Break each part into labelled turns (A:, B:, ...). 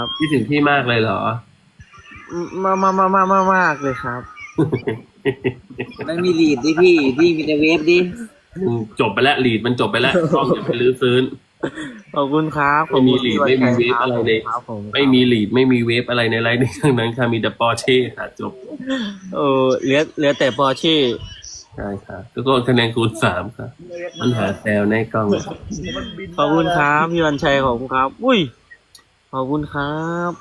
A: คิดถึงพี่มากเลยเหรอ
B: มากเลยครับ
C: มันมีลีดดิพี่มีแต่เวฟดิ
A: จบไปแล้วลีดมันจบไปแล้วกล้องอย่าไปลื้อฟื้น
B: ขอบคุณครับ
A: ไม่มีลีดไม่มีเวฟอะไรเลย
B: ครับผม
A: ไม่มีลีดไม่มีเวฟอะไรในไลน์นี้ทั้งนั้นค่ะมีแต่ปอร์เช่ค่ะจบ
B: เหลือแต่ปอร์เช่
A: ใช่ค่ะทุกคนคะแนนคูณ3ค่ะมันหาแซวในกล้อง
B: ขอบคุณครับพี่วันชัยขอบคุณครับ อุ้ยขอบคุณครับ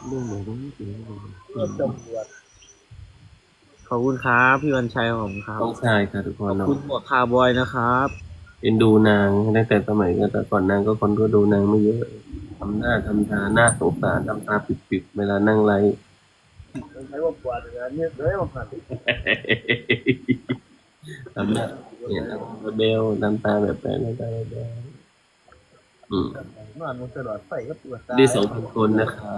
B: ขอบคุณครับพี่วันชัยขอบคุณครับ
A: ต้องชายค่ะทุกค
B: ขอน บ
A: เนาะ
B: คุณหมวกคาร์บอยนะครับ
A: เอ็นดูนางตั้งแต่สมัยก็แต่ก่อนนางก็คนก็ดูนางไม่เยอะทำหน้าทำตาหน้าสงสารทำตาปิดๆเวลานั่งไลฟ์ ทำหน้าเนี่ยเบลน้ำตาแบบนั้นน้ำตาแบบนั้นได้2,000 คนนะคะ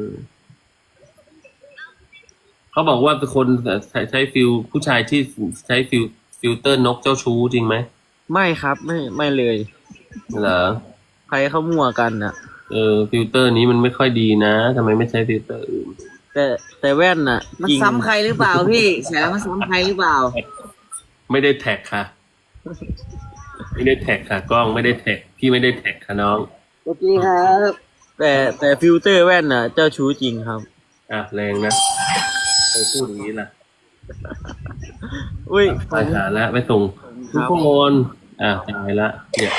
A: เขาบอกว่าเป็นคนใช้ฟิลผู้ชายที่ใช้ฟิลเตอร์นกเจ้าชู้จริงไหม
B: ไม่ครับไม่เลย
A: เหรอ
B: ใครเขามั่วกันอ่ะ
A: ฟิลเตอร์นี้มันไม่ค่อยดีนะทำไมไม่ใช้ฟิลเตอร์อื่น
B: แต่แว่นน่ะ
C: มัน
B: จริง
C: ซ้ำใครหรือเปล่าพี่แฉแล้วมันซ้ำใครหรือเปล่า
A: ไม่ได้แท็กค่ะ ไม่ได้แท็กค่ะกล้องไม่ได้แท็กพี่ไม่ได้แท็กค่ะน้อง
C: โอเคครับ
B: แต่ฟิลเตอร์แว่นน่ะ เจ้าชู้จริงครับ
A: แรงนะไปพูดอย่างนี้ล่ะ
B: อุ้ย
A: ไปหาแล้วไปส่งทุกคนตายละเนี่ย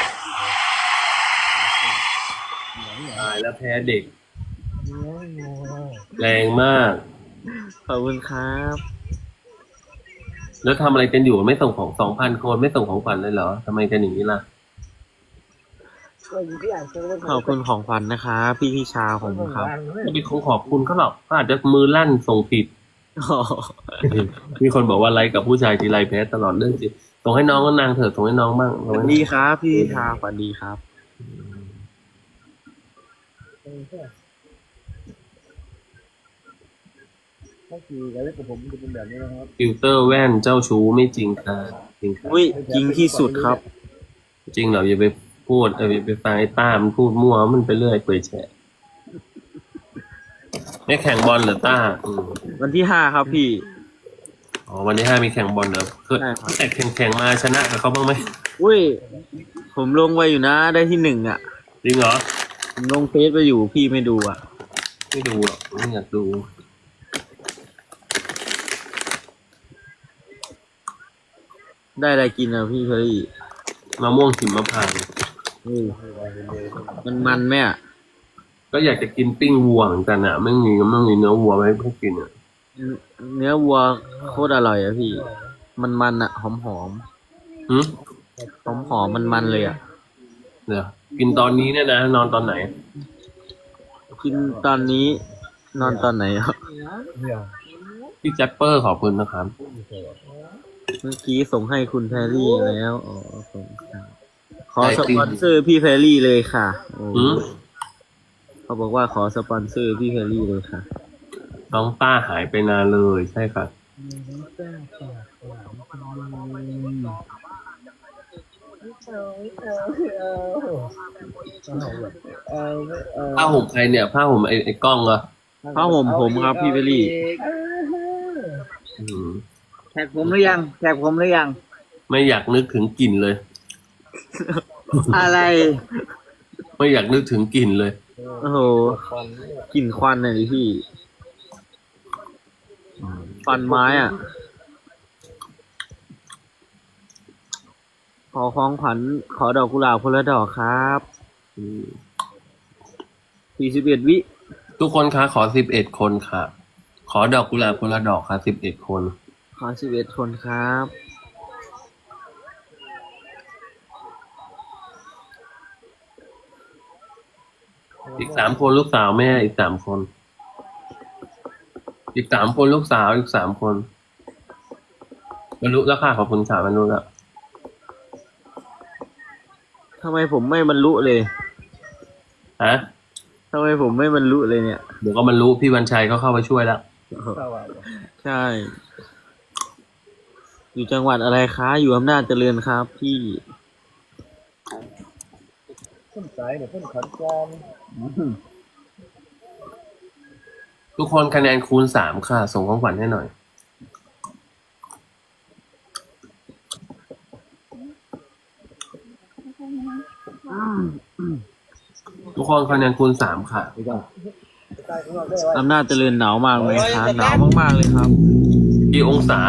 A: ตายแล้วแพ้เด็ก แรงมาก
B: ขอบคุณครับ
A: แล้วทำอะไรกันอยู่ไม่ส่งของ2,000 คนไม่ส่งของขวัญเลยเหรอทำไมกันอย่างนี้ล่ะ
B: ขอบคุณของขวัญนะคะพี่ชาผมครับ
A: ไม่มีของขอบคุณเขาหรอกเขาอาจจะมือลั่นส่งผิด
B: อ๋อ
A: มีคนบอกว่าไลค์กับผู้ชายทีไรแพ้ตลอดเรื่องจริงส่งให้น้องก็นางเถอะส่งให้น้องบ้าง
B: สวัสดีครับพี่ชาสวัสดีครับ
A: ฟิลเตอร์แว่นเจ้าชู้ไม่จริงค่ะจริงค่ะ
B: อุ้ยจริงที่สุดครับ
A: จริงเหรออย่าไปพูดอย่าไปฟังไอ้ต้ามันพูดมั่วมันไปเรื่อยเปื่อยแฉะไม่แข่งบอลเหรอต้า
B: วันที่5ครับพี่
A: วันที่5มีแข่งบอลเหรอคือ
B: ใช่ครับ
A: แต่แข่งมาชนะกับเขาบ้างไหม
B: อุ้ย ผมลงไว้อยู่นะได้ที่1อ่ะ
A: จริงเหรอ
B: ผมลงเฟซไปอยู่พี่ไม่ดูอ่ะ
A: ไม่ดูหรอกไม่อยากดู
B: ได้อะไรกินอ่ะพี่เคอรี่
A: มะม่วงหิมพานต์
B: อุ้ยมันไหมอ่ะ
A: ก็อยากจะกินปิ้งวัวเหมือนกันอ่ะไม่มีเนื้อวัวมาให้เพื่อนกินอ่ะ
B: เนื้อวัวโคตรอร่อยอ่ะพี่ มันอ่ะหอม
A: หืม
B: หอมมันเลยอ่ะ
A: เดี๋ยวกินตอนนี้เนี่ยนะนอนตอนไหน
B: กินตอนนี้นอนตอนไหนอ่ะ
A: พี่แจ็ปเปอร์ขอบคุณนะครับ
B: เมื่อกี้ส่งให้คุณแพรรี่แล้วอ๋อขอสปอนเซอร์พี่แพรรี่เลยค่ะโอ้
A: หืม
B: เขาบอกว่าขอสปอนเซอร์พี่แพรรี่เลยค่ะ
A: น้องต้าหายไปนานเลยใช่ครับผ้าห่มใครเนี่ยผ้าห่มไอ้กล้องเหรอ
B: ผ้าห่มผมครับพี่แพรรี่
A: อืม
C: แท็กผมหรือยังแท็กผมหรือยัง
A: ไม่อยากนึกถึงกลิ่นเลย
C: อะไร
A: ไม่อยากนึกถึงกลิ่นเลย
B: โอ้โหกลิ่นควันเลยดิพี่ควันไม้อ่ะ ขอของขวัญขอดอกกุหลาบคนละดอกครับ41 วิ
A: ทุกคนคะขอ11 คนค่ะ ขอดอกกุหลาบคนละดอกค่ะ11 คน
B: ขอ11 คนครับ
A: อีก3 คนลูกสาวแม่อีก3 คน อีก3 คนลูกสาวอีก3 คนบรรลุแล้วค่ะขอบคุณค่ะบรรลุแล้ว
B: ทำไมผมไม่บรรลุเลย
A: ฮะ
B: ทำไมผมไม่บรรลุเลยเนี่ย
A: เดี๋ยวก็บรรลุพี่วันชัยเขาเข้าไปช่วยแล้ว
B: ใช่ อยู่จังหวัดอะไรคะ อยู่อำนาจเจริญครับพี่
D: ต้นสายเนี่ยต้นขอนแก่น
A: ทุกคนคะแนนคูณสามค่ะ ส่งของขวัญให้หน่อย ทุกคนคะแนนคูณสามค่ะ
B: อำนาจเจริญหนาวมากเลยครับหนาวมากๆเลยครับ
A: กี่องศา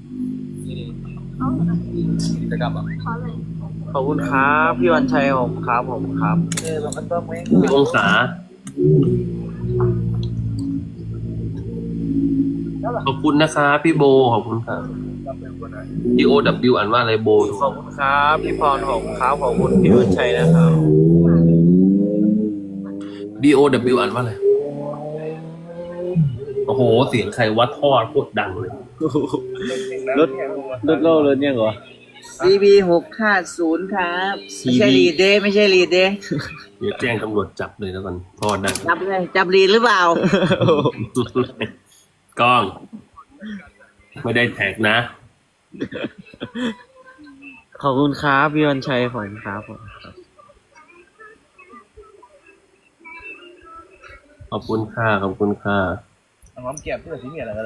B: ขอบคุณครับพี่วันชัยผมครับผมครับ
A: กี่องศา ขอบคุณนะคะพี่โบ ขอบคุณค่ะ POW อ่านว่าอะไรโบ
B: ขอบคุณครับพี่พรผมครับขอบคุณพี่วันชัยนะครับ
A: BOW อ่านว่าอะไร โอ้โห เสียงใครวัดทอดโคตรดังเลย
B: รถโล่รถเนี่ยเหรอ
C: CB650 ครับไม่ใช่ลีดเด้ไม่ใช่ลีดเด้
A: เดี๋ยวแจ้งตำรวจจับเลยแล้วกันทอดดัง
C: จับเลยจับลีดหรือเปล่า
A: กล้อง ไม่ได้แท็กนะ
B: ขอบคุณครับพี่วันชัยผมครับผม
A: ขอบคุณค่ะ ขอบคุณค่ะ
D: น้องเก็บเพื่อที่มีอะไรกันเลย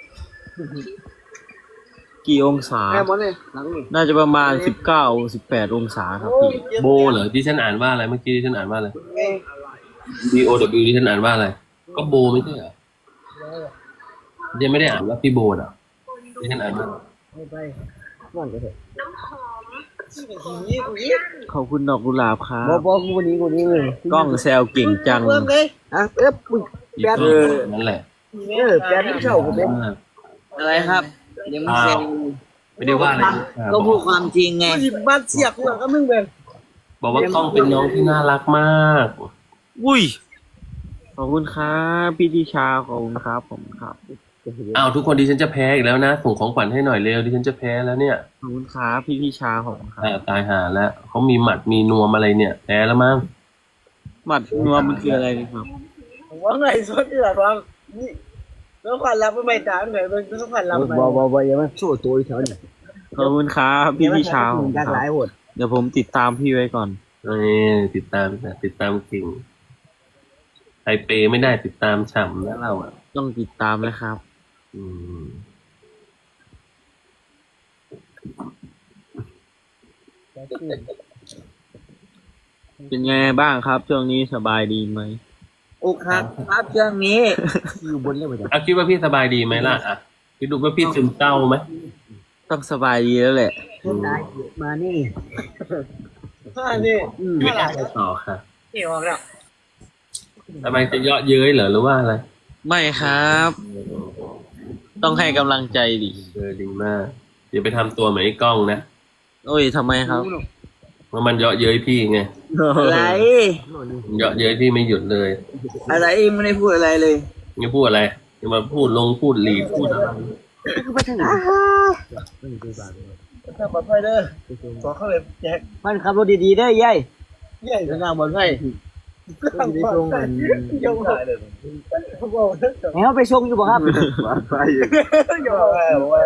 B: กี่องศา
C: แม่หมดเลยหลังนี่
B: น่าจะประมาณ19-18 องศาครับพี่
A: โบเหรอที่ฉันอ่านว่าอะไรเมื่อกี้ที่ฉันอ่านว่าอะไร BOW ที่ฉันอ่านว่าอะไร ก็โบไม่ใช่เหรอยังไม่ได้อ่านว่าพี่โบอ่ะที่ฉันอ่านว่า
B: ขอบคุณดอกกุหลาบครับ
C: บอกกูวันนี้เลย
B: กล้องแซวเก่งจัง
C: เริ่มเลยอ่ะปุ๊บ
A: อีกคนนั่นแหละ
C: แปดที่เช่าผมอะไรครับยังไม่เซ็น
A: ไม่ได้ว่าอะไร
C: ก็พูดความจริงไง
D: บ้านเสียกหัวก็มึงเป็น
A: บอกว่ากล้องเป็นน้องที่น่ารักมาก
B: อุ้ยขอบคุณครับพี่ดิชาขอบคุณครับผมครับ
A: อ้าวทุกคนดิฉันจะแพ้อีกแล้วนะส่งของขวัญให้หน่อยเร็วดิฉันจะแพ้แล้วเนี่ย
B: ขอบคุณครับพี่ดิชาผมครับ
A: ตายหาแล้วเขามีหมัดมีนวมอะไรเนี่ยแพ้แล้วมั้ง
B: หมัดนัวมันคืออะไรนะครับ
D: ว่าไงสดที่หลังฟังนี่แล้วขวัญรับไม่ตามหน่อยเป็นต้องขวัญรับไหม
C: บอกอย่ามาสู้ตัวอีกเถอะ
B: ขอบคุณครับพี่ดิชาผม
C: จาก
B: ค
C: ห
B: รั
C: ลาย
B: บ
C: หด
B: เดี๋ยวผมติดตามพี่ไว้ก่อน
A: ติดตามเก่งไทเปไม่ได้ติดตามฉ่ำนะเราอ่ะ
B: ต้องติดตามนะครับ
A: อืม
B: เป็นไงบ้างครับช่วงนี้สบายดีไหม
C: อกหักครับเรื่องนี้อยู่บนเรื่องไปจ้ะ
A: อ่ะคิดว่าพี่สบายดีไหมล่ะอ่ะคิดดูว่าพี่ซึมเศร้าไหม
B: ต้องสบายดีแล้วแหละ
C: ได้มานี่
D: นี่
A: ชีวิตอะไรต่อค่ะ
D: นี่ออกแล้ว
A: ทำไมจะเยาะเย้ยเหรอหรือว่าอะไร
B: ไม่ครับ ต้องให้กำลังใจดิ
A: ดีมากอย่าไปทำตัวเหมือนไอ้กล้องนะ
B: โอ้ยทำไมครับ
A: เพราะมันเยาะเย้ยพี่ไง
C: อะไร
A: เยาะเย้ยพี่ไม่หยุดเลย
C: อะไรไม่ได้พูดอะไรเลย
A: ไม่พูดอะไรจะมาพูดพูดหลีดพูดอะไร
C: ไปทางไหน
D: ถ้าปลอดภัยเด้อขอเข้าเลยแจก
C: มันขับรถดีๆได้ยัย
D: ใหญ่
C: ทางบนไฟ
D: ตั้งตรงมันยงถ่ายเลยเขาบอกว่า
C: ให้เขาไปชมอยู่บ่ครับ
D: ยงถ่ายบอกว่า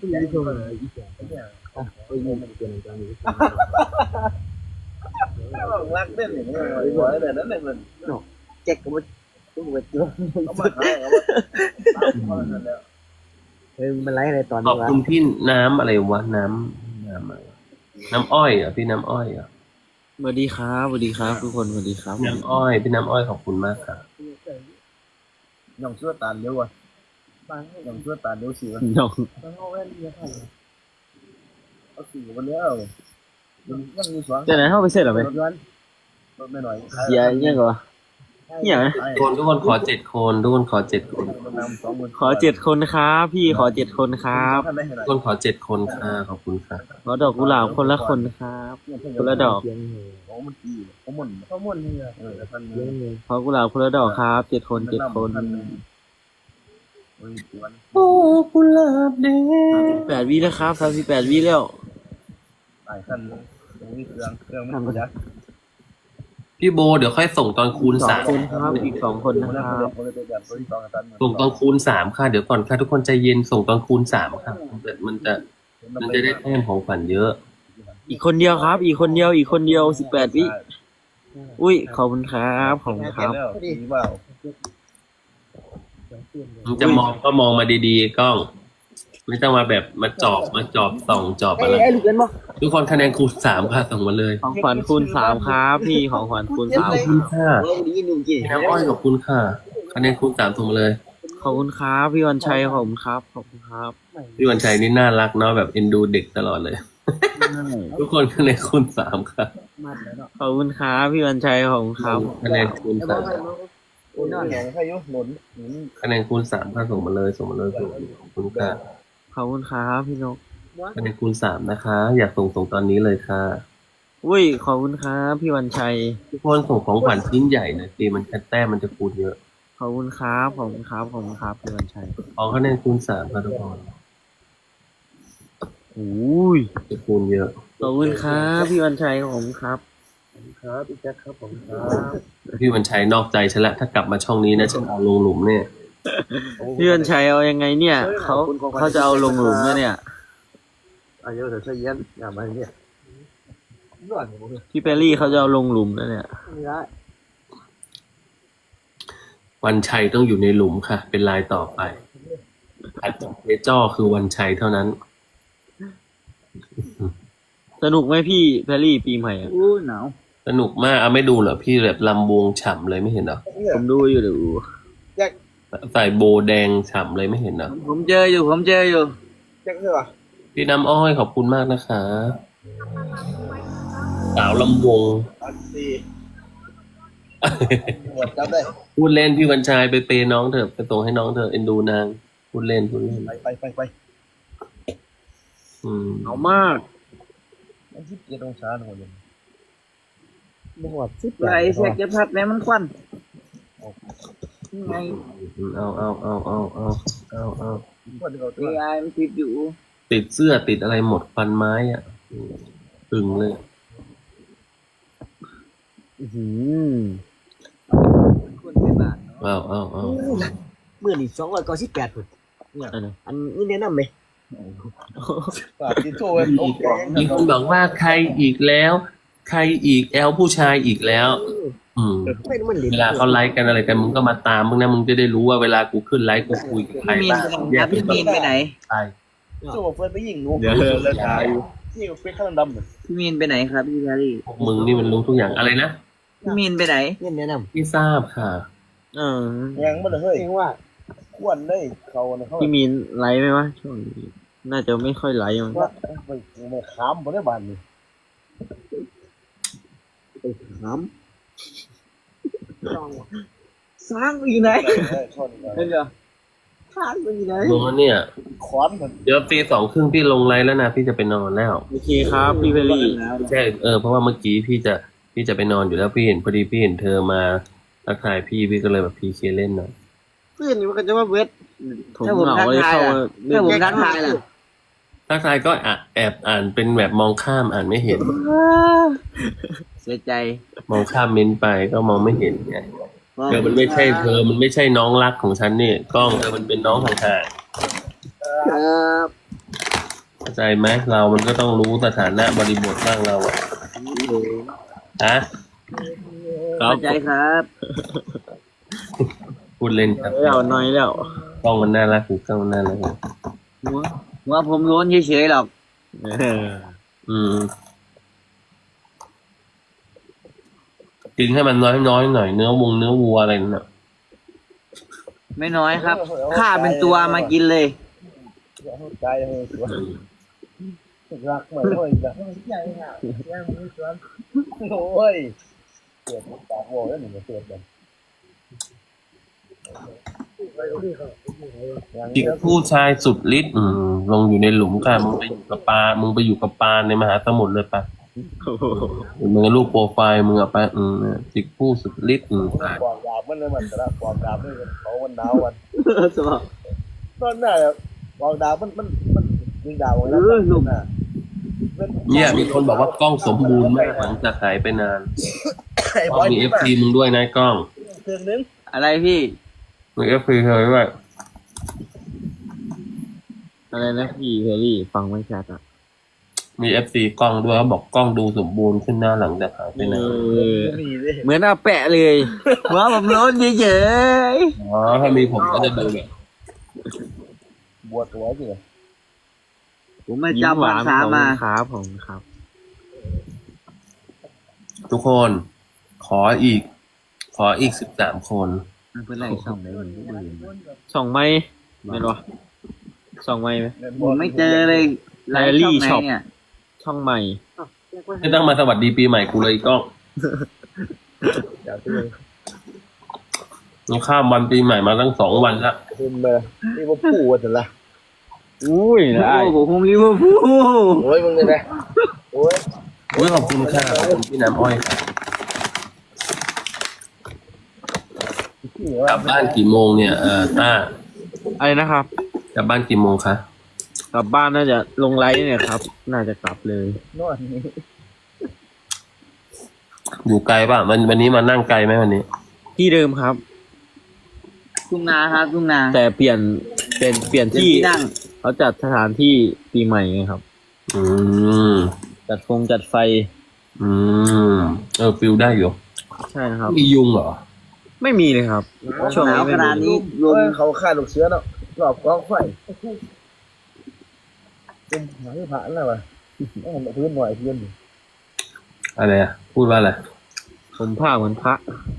D: รักเด่นอย่างนี้หัวแต่นั้นเลยมัน
C: แจ็คก็บ่ต้องไปเจอ
D: เอามาให้เอามาแล้ว
C: มันไรอะไรตอน
A: ข
C: นี้
A: อบ
C: วะ
A: คุณพี่น้ำอะไรวะน้ำอะไรน้ำอ้อยเหรอ่ะพี่น้ำอ้อยเหรอ่ะ
B: สวัสดีครับสวัสดีครับ ทุกคนสวัสดีครับ
A: น้ำอ้อยพี่น้ำอ้อยขอบคุณมากค่ะ
D: ยองชั่วตาเร็วอ่ะยองชั่วตาเร็วสิวะ
B: น้อง
D: เอาสิวันนี้เอามันมีสอง
B: จะไหนเข้าไปเสร็จหรอไหม
D: รถย้อนรถไม่หน่อย
B: เสียยังเหรอ
A: ทุกคนขอ7 คนทุกคนขอ7 คน
B: ขอ7 คนครับพี่ขอ7 คนครับ
A: ทุกคนขอ7 คนค่ะขอบคุณค่ะ
B: ขอดอกกุหลาบคนละคนครับ คนละดอก
D: โอ้มันดีเขาหมุนเนี่ยท่าน
B: ขอกุหลาบคนละดอกครับ7 คน7 คน
A: โอ้กุหลาบแดง
B: 8 วิแล้วครับ38 วิแล้ว
D: หลายท่านยังมีเครื่องมันยักษ์
A: พี่โบเดี๋ยวค่อยส่งตอนคูณ
B: 2
A: 3
B: คนครับอีก2 คนนะครับ
A: ส่งตอนคูณ3ค่ะเดี๋ยวก่อนค่ะทุกคนใจเย็นส่งตอนคูณ3ค่ะมันจะได้แต้มของขวัญเยอะ
B: อีกคนเดียวครับ อีกคนเดียว18 วิอุ้ยขอบคุณครับขอบคุณครับ
D: ดีเปล่า
A: มึงจะมองก็มองมาดีๆกล้อง ไม่ต้องมาแบบมาจอบส่องจอบอะไร
D: ไอ้ลูกเล่นบ่
A: ทุกคนคะแนนคูณ3ค่ะส่งมาเลย
B: ของขวัญคูณ3ครับพี่ของขวัญคูณ
A: ขอบคุณค่ะ
D: เออดีหนุ่มกี่
A: พี่น้ำอ้อยขอบคุณค่ะคะแนนคูณ3ส่งมาเลย
B: 3ขอบคุณครับพี่วันชัยขอบคุณครับขอบคุณครับ
A: พี่วันชัยนี่น่ารักเนาะแบบเอ็นดูเด็กตลอดเลย ทุกคนคะแนนคูณ3ค่ะ
D: มันแล้วเนาะ
B: ขอบคุณครับพี่วันชัยขอบคุณครับ
A: คะแนนคูณ
D: ไอ้บ่ใครนอนแหงใครอยู่หนุน
A: 3คะแนนคูณ3ค่ะส่งมาเลยขอบคุณค่ะ
B: ขอบคุณครับพี่นก
A: คะแนนคูณ3นะคะ อยากส่งตอนนี้เลยค่ะ
B: อุ้ยขอบคุณครับพี่วันชัย
A: ทุกคนส่งของขวัญชิ้นใหญ่หนะตีมันแต้มมันจะคูณเยอะ
B: ขอบคุณครับขอบคุณครับขอบคุณครับพี่วันชัย
A: ขอคะแนนคูณ3ค่ะทุกคน
B: อุ้ย
A: จะคูณเยอะ
B: ขอบคุณครับพี่วันชัยขอบคุณครับ
D: ครับพี่แจ็คครับผมครับ
A: พี่วันชัยนอกใจฉันละถ้ากลับมาช่องนี้นะฉันเอาลงหลุมเนี่ย
B: พี่วันชัยเอายังไงเนี่ยเขาจะเอาลงหลุมแล้วเนี่ย
D: อายุเดี๋ยวใช้เย็นอย่ามาเนี่ยนวดผมเลย
B: พี่เปรรี่เขาจะเอาลงหลุมแล้วเนี่ย
D: ไม่ได้
A: วันชัยต้องอยู่ในหลุมค่ะ เป็นลายต่อไปถัดจากเจจ้อคือวันชัยเท่านั้น
B: สนุกไหมพี่เปรรี่ปีใหม่อะ
C: อู้หนาว
A: สนุกมากเอาไม่ดูเหรอพี่แบบลำวงฉ่ำเลยไม่เห็นเหรอ
B: ผมดูอยู่เดี๋ยว
A: ใส่โบแดงฉ่ำเลยไม่เห็นเหรอ
C: ผมเจออยู่
D: แจ็คใช่ป่ะ
A: พี่น้ำอ้อยขอบคุณมากนะคะสาวลำวง
D: อันสี่หมดจับได้
A: พูดเล่นพี่วันชัยไปเปย์น้องเถอะไปส่งให้น้องเถอะเอ็นดูนางพูดเล่น
D: ไป
A: อืม
B: เอามาก
D: มัน17องศาหน่อยยังบ่หอด10
C: ไรเสียกจะพัดแม่มันควันไง
A: เอา
D: คนเขา
C: เอไอมันติดอยู่
A: ติดเสื้อติดอะไรหมดฟันไม้อ่ะตึงเลย
C: คนเป็นบาทเนาะ
A: เอา
D: มื้อนี้298พุ่นเนี่ยอันนี้แนะนำไหมฝากกินโชว์ไว้โอเค
A: มีคนบอกว่าใครอีกแล้ว ใครอีกแอลผู้ชายอีกแล้ว อืม
D: ไม่มันเหรียญ
A: เวลาเขาไลฟ์กันอะไรกันมึงก็มาตามมึงนะมึงจะได้รู้ว่าเวลากูขึ้นไลฟ์กูคุยกับใคร
C: พี่มีน
A: บ้าง
C: ไปไหนครับพี่มีนไปไหน
A: ใช่
D: โซ่เฟิร์นไปยิงหนู
B: เดี๋ยวเลิกขาย
D: ยิงเป็นข้างดำเลย
C: พี่มีนไปไหนครับพี่แพรรี่
A: พวกมึงนี่มันรู้ทุกอย่างอะไรนะ
C: พี่มีนไปไหน
D: เนี่ยแนะนำ
A: พี่ทราบค่ะ
B: เออ
D: ยังบ่ได้เฮ้ยว่าควรได้เขาเนี่ยเขา
B: พี่มีนไลฟ์ไหมวะช่วงนี้น่าจะไม่ค่อยไลฟ์มั้ง
D: ว่าไปขามบ่ได้บานนี่ไปขาม
C: สร้างอยู่ไหน
D: ชน
C: เห็นเหรอสร้างอยู่ไหน
A: มึงเนี่ย
D: ขอนมัน
A: เดี๋ยวตี 2:30พี่ลงไลฟ์แล้วนะพี่จะไปนอนแล้ว
B: โอเคครับพี่เปรรี่
A: ใช่เพราะว่าเมื่อกี้พี่จะไปนอนอยู่แล้วพี่เห็นพอดีพี่เห็นเธอมาทักทายพี่ก็เลยแบบพีเคเล่นหน่อย
D: เพื่อนนี่มันก็จะว่าเวท
B: ผมเหงาเลยเข้ามาเล่
C: ถ้าน ผมทักทายล่ะ
A: ทักทายก็แอบอ่านเป็นแบบมองข้ามอ่านไม่เห็น
C: เสียใจ
A: มองข้ามเม้นไปก็มองไม่เห็นไงเธอมันไม่ใช่เธอมันไม่ใช่น้องรักของฉันนี่กล้องเธอมันเป็นน้องห่าง
C: ครับ
A: ๆเข้าใจไหมเรามันก็ต้องรู้สถานะบริบทบ้างเราอะฮะ
C: เข้าใจครับ
A: พูดเล่นครับ
B: แล้วน้อยแล้ว
A: กล้องมันน่ารักหูกล้องมันน่ารัก
C: หัวผมโล้นเฉยๆหรอก
A: อืมกินให้มันน้อยๆหน่อยเนื้อวัวอะไรนั่นน่ะ
C: ไม่น้อยครับข้าเป็นตัวมากินเลย
D: ใจเลยสวยรักเหมือนโอ้ยแบบใหญ่ค่ะยังมีสวนโอ้ยเกิดปากโว้แล้วหนึ่งเกิดแบบ
A: จิกผู้ชายสุดฤทธิ์ลงอยู่ในหลุมค่ะมึงไปอยู่กับปลาในมหาสมุทรเลยปะมึงลูกโปรไฟล์มึงอะไปจิกผู้สุดฤทธิ์
D: ปอกดาบมันเลยมันแต่ละปอกดาบเลยเขาวันหนาววัน
C: สบาย
D: ตอนหน้าปอกดาบมันยิงดาวแล้วน่ะ
A: เนี่ยมีคนบอกว่ากล้องสมบูรณ์มากหลังจากหายไปนาน
D: ไอ้
A: ก
D: บ
A: ล้
D: อ
A: อง
D: ล
A: มีเอฟซีมึงด้วยนะกล้อง
D: เครื่องนึง
C: อะไรพี่
A: มีเอฟซีเธอด้วย
B: อะไรนะพี่เปรรี่ฟังไม่ชัดอ่ะ
A: มีเอฟซีกล้องด้วยเขาบอกกล้องดูสมบูรณ์ขึ้นหน้าหลังจากหายไปนาน
D: มีเลย
B: เหมือนอาแปะเลยว่าผมโล้นเฉย
A: อ๋อถ้ามีผมก็จะดูแบบ
D: บวชตัวจริง
C: ผมไม่
B: ๆยิ้ม
C: จำ
B: ห
C: ภาว
B: าน
C: ษา
B: ของ
C: มา
B: ครับผมครับ
A: ทุกคน ขออีก13 คน
C: เพื่อนไล่ส่องได้คนที่ดู
B: ส่องไม้ไม่รู้ส่องไม้ไหม
C: ผมไม่เจอเลยไลฟ์ช่องไหนเนี่ย
B: ช่องใหม่
A: ไม่ต้องมาสวัสดีปีใหม่กูเลยอีกกล้อง
D: อยากที่เลย
A: นี่ข้ามวันปีใหม่มาตั้ง2 วันละ
D: คุณเลยนี่ว่าผู้ว่าแต่ละ
B: อุ้ย
C: โอ้
B: ได้
C: โหผมลิเวอร์พูล
D: โอ้ยมึงเลยนะโอ้ย
A: อุ้ยขอบคุณค่ะขอบคุณพี่น้ำอ้อยค่ะกลับบ้านกี่โมงเนี่ยต้า
B: อะไรนะครับ
A: กลับบ้านกี่โมงคะ
B: กลับบ้านน่าจะลงไลฟ์เนี่ยครับ น่าจะกลับเลย
D: นอนนี่
A: อยู่ไกลป่ะวันนี้มานั่งไกลไหมวันนี้
B: ที่เดิมครับ
C: ทุ่งนาครับทุ่งนา
B: แต่เปลี่ยนที่
C: ที่นั่ง
B: เขาจัดสถานที่ปีใหม่ไงครับ
A: อืม
B: จัดไฟ
A: อืมฟิลได้อยู่
B: ใช่ครับ
A: มียุงเหรอ
B: ไม่มีเลยครับ ช่วง
C: หนา
B: นี้
C: ว
B: ไม่
C: ขนาด
B: มี
C: นี้ล
D: โอ้
C: ม
D: ยเขาฆ่าลูกเสือเนาะรอบกองไฟเป็นหางผ่านแล้ววะต้องมาพื้นหน่อยเพื่อน
A: อะไรอ่ะ พูดว่าอะไร
B: ผมผ้าเหมือนพระ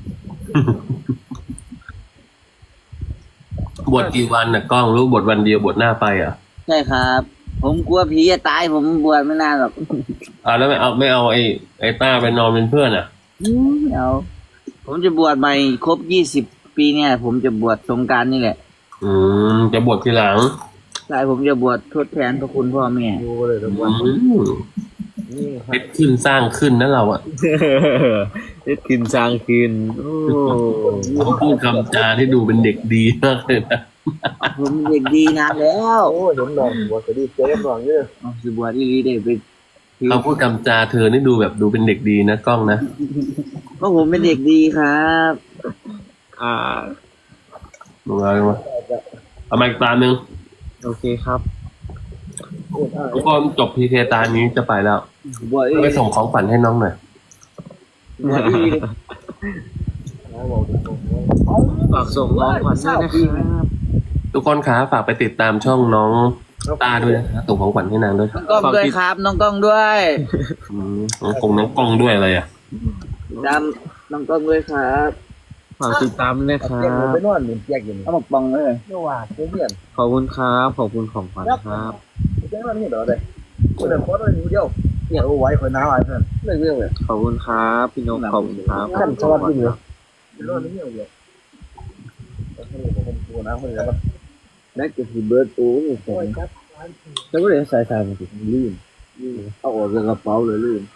A: บวชกี่วันน่ะกล้องรู้บวชวันเดียวบวชหน้าไปอ่ะ
C: ใช่ครับ ผมกลัวผีจะตายผมบวชไม่นานหรอก
A: แล้วไม่เอาไอ้ต้าไปนอนเป็นเพื่อนอ่ะ
C: ไม่เอาผมจะบวชใหม่ครบ20 ปีเนี่ย ผมจะบวชสงกรานต์นี่แหละ
A: จะบวชทีหลัง
C: ใช่ผมจะบวชทดแทนพระคุณพ่อแม่
D: ดูเลยทุกวัน นี่ค
A: เพ
D: รับ
A: ชรขึ้นสร้างขึ้นนะเราอ่ะ
B: เล็ดคืนสร้างคืนโอ้
A: เขาพูดคำจาที่ดูเป็นเด็กดีมากเลยนะ
C: ผมเด็กดีนานแล้ว
D: โอ้ยเห็นนอนบวชก็ดีเจ๊นอนเยอะ
C: เอาสิบวชอีหลีได้ไป
A: เขาพูดคำจาเธอนี่ดูแบบดูเป็นเด็กดีนะกล้องนะ
C: เพราะผมเป็นเด็กดีครับ
B: อ่า
A: มึงเอามาเอามาอีกตาหนึ่ง
B: โอเคครับ
A: ทุกคนจบพีเคตานี้จะไปแล้ว
C: บวชอีห
A: ไป
C: ลี
A: ส่งของฝันให้น้องหน่อย
C: บวชอีหลี
D: นะบอกดู
B: ฝากส่งน้องขวัญด้วยนะครับ
A: ทุกคนคะฝากไปติดตามช่องน้องตาด้วยนะส่งของขวัญให้นางด้วยครับ
C: น้องกล้องด้วยครับ น้องกล้องด้วย
A: น้องกล้องด้วยอะไรอ่ะ
C: ตามน้องกล้องด้วยครับ
B: ฝากติดตามด้วยนะครั
D: เจ๊ง
B: บ
D: ไปนอนหนึ่งแยกอยู่นี่
C: เอาหมกปองเลย
D: เมื่อวานเจ๊เพื่อน
B: ขอบคุณครับขอบคุณของขวัญครับ
D: เจ๊นอนนี่เดี๋ยวเลยคนเดินโคตรเลยเดียวเนี่ยเอาไว้คนน้าไว้เพื่อนเลยเรื่องเลย
B: ขอบคุณครับพี่นกขอบคุณครับ
D: ขั้นสวัสดีเลยนอนนี่เดียวเลยผมตัวน้าคนเดียว
C: ได้จะสิเบิร์ดโอ้ย
D: โอ้ยครับ
C: แล้วก็เลยใส่ใส่มาสิลื่นเอาออกจากกระเป๋าเลยลื่น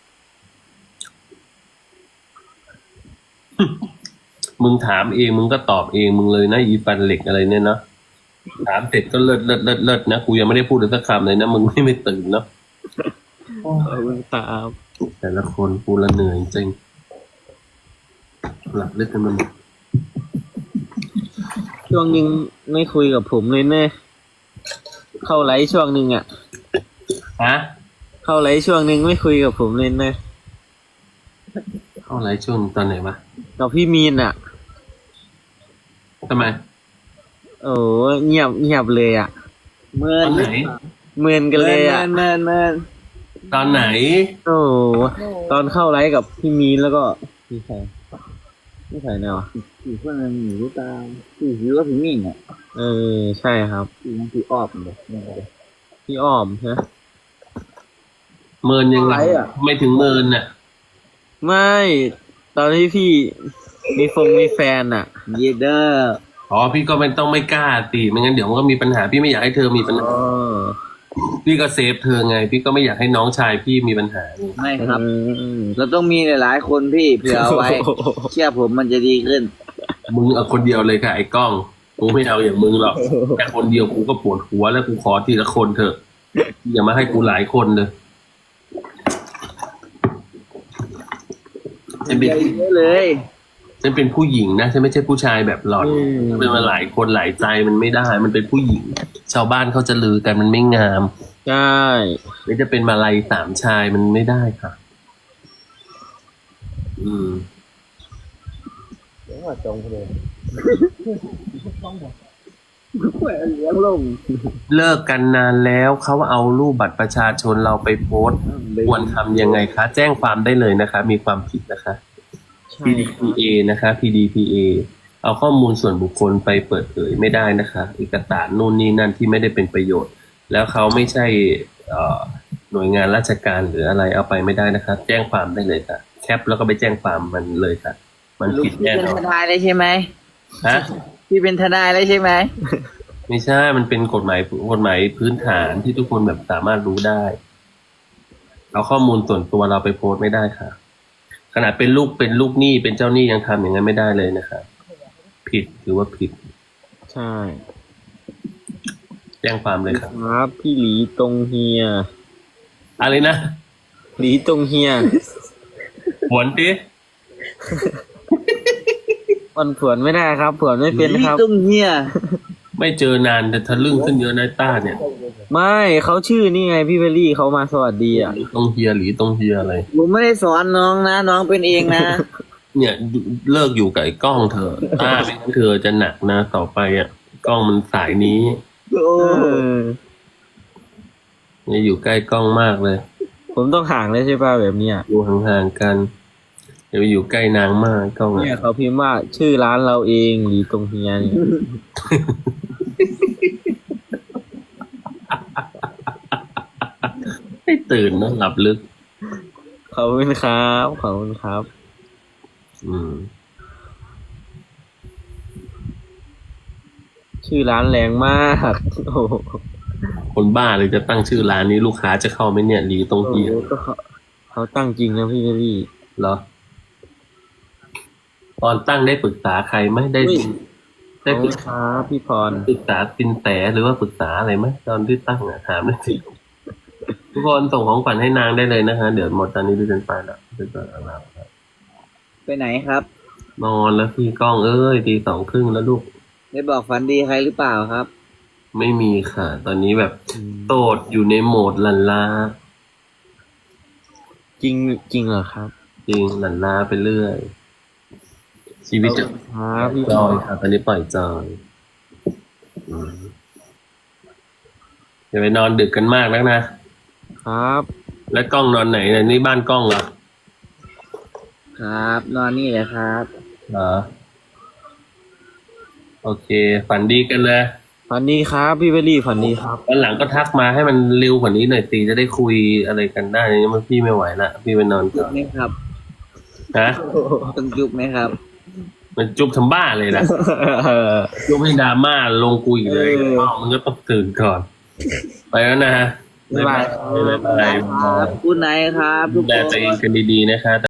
A: มึงถามเองมึงก็ตอบเองมึงเลยนะอีฟันเหล็กอะไรเนี่ยนะถามเสร็จก็เลิศนะกูยังไม่ได้พูดเลยสักคำเลยนะมึงไม่ตื่นเนาะ
B: ขอบคุณครับ
A: แต่ละคนกูละเหนื่อยจริงหลับลึกกันมัน
B: ช่วงนึงไม่คุยกับผมเลยเน่เข้าไลฟ์ช่วงนึงอ่ะ
A: ฮะ
B: เข้าไลฟ์ช่วงนึงไม่คุยกับผมเลยเน่
A: เข้าไลฟ์ช่วงตอนไหนวะ
B: กับพี่มีนอ่ะ
A: ทำไม
B: โอ้เงียบเลยอ่ะ
C: เมิ
A: ตอน นไหน
B: เหมือนกันเลยอ่ะ
C: เมิน
A: ตอนไหน
B: โอ้ตอนเข้าไลฟ์กับพี่มีนแล้วก็พี่ใครแนวะ
C: ผีพวกนั้นหนีตามผีผิวก็ผีมิ่งอ่ะ
B: เออใช่ครับ
C: ผีมันผีออบเลย
B: พี่อ้อมใช่ไหม
A: เมินยังไง
C: อะไรอะ
A: ไม่ถึงเมินน่ะ
B: ไม่ตอนที่พี่มีแฟนอ่ะ
C: เยเดอร์
A: อ๋อพี่ก็ไม่กล้าตีไม่งั้นเดี๋ยวมันก็มีปัญหาพี่ไม่อยากให้เธอมีปัญหา
B: อ๋อ
A: พี่ก็เซฟเธอไง พี่ก็ไม่อยากให้น้องชายพี่มีปัญหา
C: ไม่ครับ
B: อืม
C: เราต้องมีหลายๆคนพี่เผื่อเอาไว้ เชื่อผมมันจะดีขึ้น
A: มึงเอาคนเดียวเลยค่ะไอ้กล้องกูไม่เอาอย่างมึงหรอกแค่คนเดียวกูก็ปวดหัวแล้วกูขอทีละคนเถอะอย่ามาให้กูหลายคนเลยฉันเป็น
C: เยอะเลย
A: ฉันเป็นผู้หญิงนะฉันไม่ใช่ผู้ชายแบบหล่อนเป็นมาหลายคนหลายใจมันไม่ได้ มันเป็นผู้หญิง ชาวบ้านเขาจะลือกันมันไม่งาม
B: ใช่
A: หรือจะเป็นมาลัยสามชายมันไม่ได้ค่ะ อืม
D: เดี๋ยวมาจงเลย
C: เลี้ยงลง
A: เลิกกันนานแล้วเขาเอารูปบัตรประชาชนเราไปโพสต์ควรทำยังไงคะ แจ้งความได้เลยนะคะ มีความผิดนะคะ
B: ใช่
A: PDPA นะคะ PDPA เอาข้อมูลส่วนบุคคลไปเปิดเผยไม่ได้นะคะเอกสารนู่นนี่นั่นที่ไม่ได้เป็นประโยชน์ แล้วเขาไม่ใช่หน่วยงานราชการหรืออะไรเอาไปไม่ได้นะคะ แจ้งความได้เลยค่ะ แคปแล้วก็ไปแจ้งความมันเลยค่ะ มัน
C: ลูก
A: ผิด
C: พี่
A: แน่
C: เป็น
A: นอ
C: ท
A: น
C: นายเลยใช่ไหม
A: ฮะ
C: พี่เป็นทนายเลยใช่ไหม
A: ไม่ใช่ มันเป็นกฎหมายพื้นฐานที่ทุกคนแบบสามารถรู้ได้ เอาข้อมูลส่วนตัวเราไปโพสต์ไม่ได้ค่ะ ขนาดเป็นลูกหนี้เป็นเจ้าหนี้ยังทำอย่างนั้นไม่ได้เลยนะคะ ผิดหรือว่าผิด
B: ใช่
A: แจ้งความเลยครับ
B: ครับพี่หลีตรงเฮีย
A: อะไรนะ
B: หลีตรงเฮีย
A: หวนดิ
B: มันผวนไม่ได้ครับผวนไม่เป็นครับ
C: ตุ้งเฮีย
A: ไม่เจอนานแต่ทะลึ่งขึ้นเยอะนะต้าเนี่ย
B: ไม่เขาชื่อนี่ไงพี่เบลลี่เขามาสวัสดีอ่ะ
A: ตรงเฮียหรือตรงเฮียอะไร
C: ผมไม่ได้สอนน้องนะ น้องเป็นเองนะ
A: เนี่ยเลิกอยู่กับไอ้กล้องเธอะต้าไม่งั้นเธอจะหนักนะต่อไปอ่ะกล้องมันสายนี้
C: โอ้
B: เออ
A: เนี่ยอยู่ใกล้กล้องมากเลย
B: ผมต้องห่างเลยใช่ป่ะแบบเนี้ย
A: อยู่ห่างๆกันอย่าไปอยู่ใกล้นางมากกล้อง
B: เนี่ย
A: อ่ะ
B: เขาพิมพ์ว่าชื่อร้านเราเองหลีตรงเฮียเนี่ย
A: ไม่ตื่นนะหลับลึก
B: ขอบคุณครับขอบคุณครับ
A: อืม
B: ชื่อร้านแรงมาก โอ้โห
A: คนบ้าเลยจะตั้งชื่อร้านนี้ลูกค้าจะเข้าไหมเนี่ยหลีตรงเฮีย
B: ก็เขาตั้งจริงนะพี่เบลลี่
A: เหรอ ตอนตั้งได้ปรึกษาใครไหมได้
B: อุ้ย
A: ได้
B: ขอบ
A: ป
B: คุ
A: รึ
B: ณ
A: ก
B: ค
A: ษา
B: รับพี่พร
A: ปรึกษาสินแสหรือว่าปรึกษาอะไรไหมตอนที่ตั้งอ่ะถามหน่อยสิทุกคนส่งของขวัญให้นางได้เลยนะฮะเดี๋ยวหมดตอนนี้ดิฉันไปแล้วดิฉันไปแล้วครับ
C: ไปไหนครับ
A: นอนแล้วพี่ก้องเอ้ยตี 2:30แล้วลูก
C: ได้บอกฝันดีใครหรือเปล่าครับ
A: ไม่มีค่ะ ตอนนี้แบบโสดอยู่ในโหมดหลันลา
B: จริงจริงเหรอครับ
A: จริงหลันลาไปเรื่อย ชีวิตจะ
B: ครับพี่
A: จอยค่ะตอนนี้ปล่อยจอยอืมอย่าไปนอนดึกกันมากนักนะ
B: ครับ
A: แล้วกล้องนอนไหนเนี่ยนี่บ้านกล้องเหรอ
C: ครับ นอนนี่แหละครับ
A: เหรอโอเค ฝันดีกันเลย
B: ฝันดีครับพี่เบลลี่ฝันดีครับ
A: วันหลังก็ทักมาให้มันเร็วกว่านี้หน่อยสิจะได้คุยอะไรกันได้เนี่ยมันพี่ไม่ไหวละพี่ไปนอน
C: จุ
A: ก่
C: บ
A: อน
C: ไหมครับ
A: ฮะ
C: ต้องจุบไหมครับ
A: มันจุบทำบ้าเลยนะจุบให้ดราม่าลงกูอีกเลยอ้าวมันก็ต้องตื่นก่อน ไปแล้วนะฮะ
B: บ๊ายบาย
A: บ๊ายบาย
C: ครับคุณไหนครับ
A: ดู
C: ทุก
A: แล
C: คน
A: ตัวเองกันดีๆนะคะ